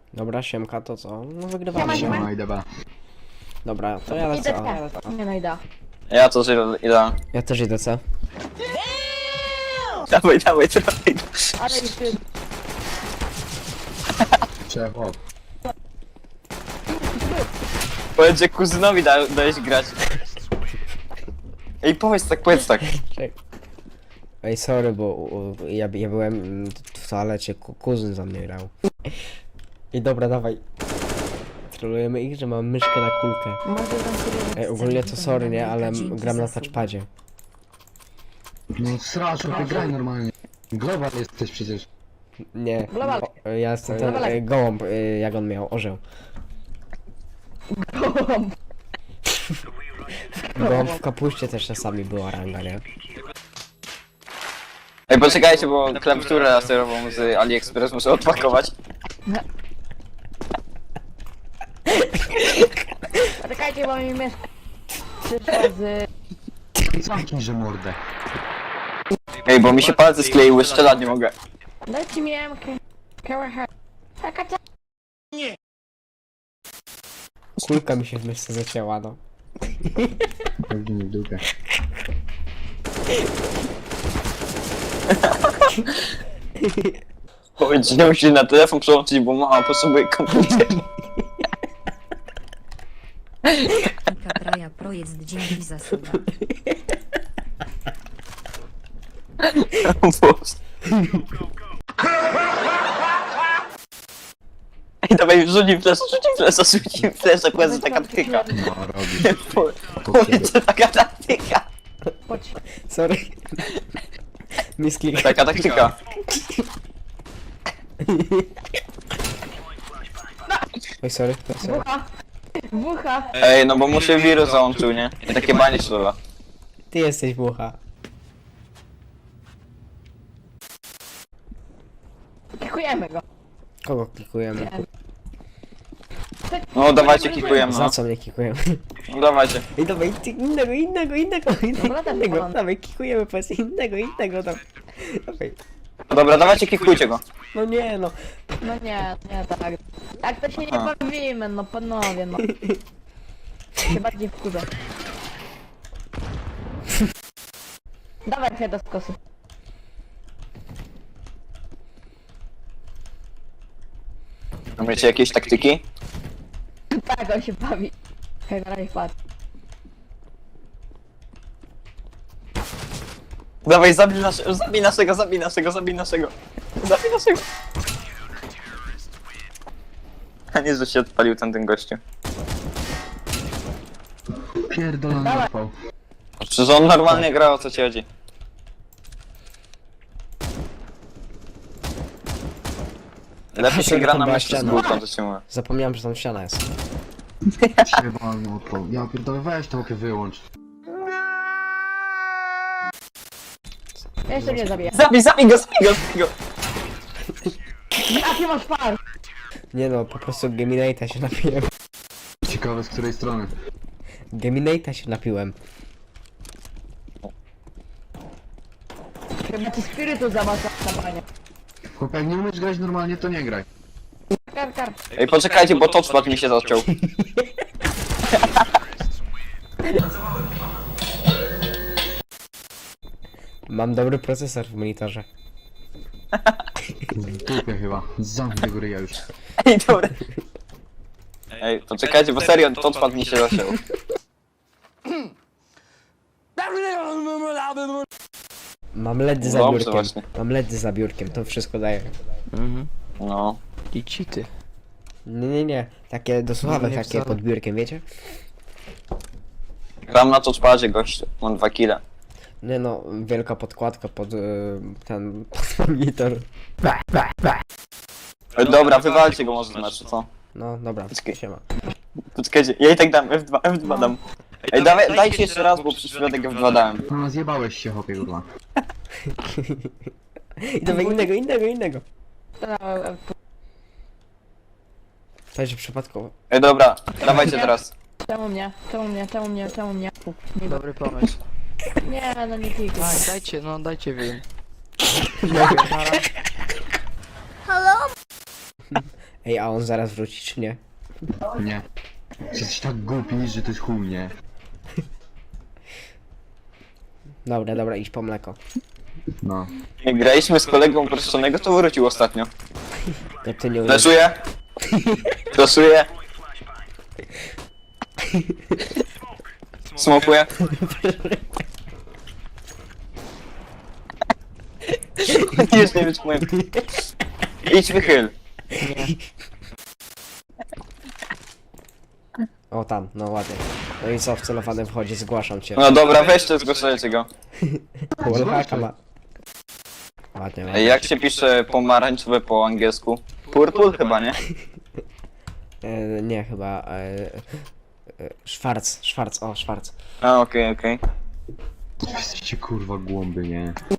Dobra, siemka, to co? No wygrywamy. Siema. No idę B. Dobra, to ja lecę. A. Nie no i da. Ja to idę. Ja też idę C. Dawaj. Ale już ty... Trzeba hop. Powiedz, że kuzynowi dałeś grać. Ej, powiedz tak. Ej, sorry, bo ja byłem w toalecie, kuzyn za mnie grał. I dobra, dawaj. Trolujemy ich, że mam myszkę na kulkę. Może tam sobie... Ej, ogólnie to sorry, nie? Ale gram na touchpadzie. No strasznie, ty graj normalnie. Global jesteś przecież. Nie, Global. ja jestem ten Global. gołąb, jak on miał, orzeł. Gołąb w kapuście też czasami była ranga, nie? Ej, poczekajcie, bo klawiaturę laserową z AliExpress muszę odpakować. Czekajcie, bo mi myszka przyszła z... Zamknij, że mordę. Ej, bo mi się palce skleiły, strzelać nie mogę. Dajcie mi MK. Kawaha. Taka Kulka mi się w myszce zacięła, no. Pewnie w dupę. Powiedz, że musi na telefon przełączyć, bo mama potrzebuje komputer. Mika Traja Projekt, dzięki za suba. O Boże. Ej, dawaj, rzucim flesza, powiedz, taka taktyka. No, robi. Powiedz, że taka taktyka. Chodź. Sorry. Misklik. Taka taktyka. Oj, sorry. Wucha. Wucha. Ej, no bo mu się wirus załączył, nie? I takie banie słowa. Ty jesteś bucha. Kikujemy go. Kogo klikujemy? No dawajcie, kikujemy, Za no. co mnie klikujemy? No dawajcie. Ej, dawaj, innego. Dobra, ten Innego, kolon. dawaj, klikujemy, powiedz, innego, dawaj. Dobra, dawajcie, kikujcie go. No nie, no. No nie tak. Jak to się nie A. bawimy, no panowie, no. Się bardziej wkurza. Dawaj się do skosu. Macie jakieś taktyki? Tak, on się bawi. Hej, na razie patrz. Dawaj, zabij naszego. Zabij naszego. A nie, że się odpalił ten gościu. Pierdolony Dawaj. odpał. Przecież on normalnie gra, o co ci chodzi. Lepiej się gra na meczu z głupą, to ci mówię. Zapomniałem, że tam ściana jest. Jebany odpał. Ja pierdolę, weź to opie wyłącz. Ja jeszcze nie zabiję. Zabij go. Jaki masz fan? Nie no, po prostu Geminate'a się napiłem. Ciekawe z której strony. Geminate'a się napiłem. Chyba ci spirytu zamacza na panie. Chłopie, jak nie umiesz grać normalnie, to nie graj. Kar. Ej, poczekajcie, bo touchpad mi się zaciął. Mam dobry procesor w monitorze. W dupie chyba. Zamknij tego ryja już. Ej, dobra. Ej, poczekajcie, bo serio, touchpad mi się zaciął. Mam ledy za Dobrze, biurkiem. właśnie. Mam ledy za biurkiem, to wszystko daje. No. I cheaty. Nie. Takie do słuchawek, nie takie wcale. pod biurkiem, wiecie? Gram na touchpadzie, gościu. Mam 2 kile. Nie no, wielka podkładka pod ten pod monitor. Ej, dobra, wywalcie go może z meczu, co? No dobra, Poczekaj. siema. Poczekajcie, ja i tak dam F2 dam. Ej, dajcie jeszcze raz, bo przez przypadek F2 dałem. No zjebałeś się, chłopie, kurwa. I dawaj innego. Także przypadkowo. Ej, dobra, dawajcie teraz. Czemu mnie? Nie, Dobry pomysł. nie, no nie kikuj. Dajcie win. Ej, a on zaraz wróci, czy nie? Nie. Jesteś tak głupi, że to jest chuj, nie? Dobra, dobra, idź po mleko. No. Jak graliśmy z kolegą uproszczonego, to wrócił ostatnio. To ty nie umiesz. Leszuję. Leszuję. Smokuję. Już nie wytrzymuję. Idź wychyl. O tam, no ładnie. No i co, w celowanym wchodzi, zgłaszam cię. No dobra, weźcie, zgłaszajcie go. Wallhacka ma. Ładnie, Ej, ładnie. jak się pisze pomarańczowe po angielsku? Purple chyba, nie? Nie, chyba... Schwarz, o, Schwarz. A, okej. Jesteście kurwa głąby, nie?